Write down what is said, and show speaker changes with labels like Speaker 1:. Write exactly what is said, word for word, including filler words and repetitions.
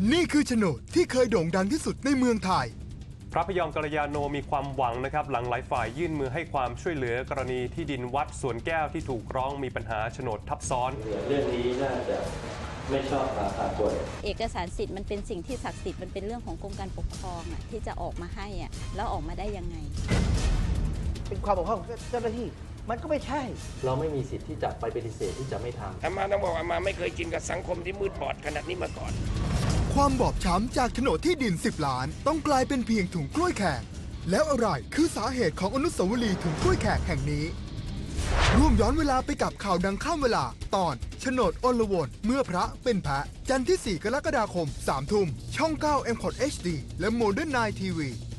Speaker 1: นี่คือโฉนดที่เคยโด่งดังที่สุดในเมืองไทย
Speaker 2: พระพยอมกัลยาโนมีความหวังนะครับหลังหลายฝ่ายยื่นมือให้ความช่วยเหลือกรณีที่ดินวัดสวนแก้วที่ถูกร้องมีปัญหาโฉนดทับซ้อน
Speaker 3: เรื่องนี้น่าจะไม่ชอบมาพากล
Speaker 4: เอกสารสิทธิ์มันเป็นสิ่งที่ศักดิ์สิทธิ์มันเป็นเรื่องของกรมการปกครองอ่ะที่จะออกมาให้อ่ะแล้วออกมาได้ยังไง
Speaker 5: เป็นความบกพร่องของเจ้าหน้าที่มันก็ไม่ใช่
Speaker 3: เราไม่มีสิทธิ์ที่จะไปปฏิเสธที่จะไม่ทำ
Speaker 6: อามาต้องบอกอามาไม่เคยกินกับสังคมที่มืดบอดขนาดนี้มาก่อน
Speaker 1: ความบอบช้ำจากโฉนดที่ดินสิบล้านต้องกลายเป็นเพียงถุงกล้วยแขกแล้วอะไรคือสาเหตุของอนุสาวรีย์ถุงกล้วยแขกแห่งนี้ร่วมย้อนเวลาไปกับข่าวดังข้ามเวลาตอนโฉนดอลวนเมื่อพระเป็นแพะจันทร์ที่สี่กรกฎาคมสามทุ่มช่องเก้า เอ็ม คอท เอช ดี และ โมเดิร์น ไนน์ ที วี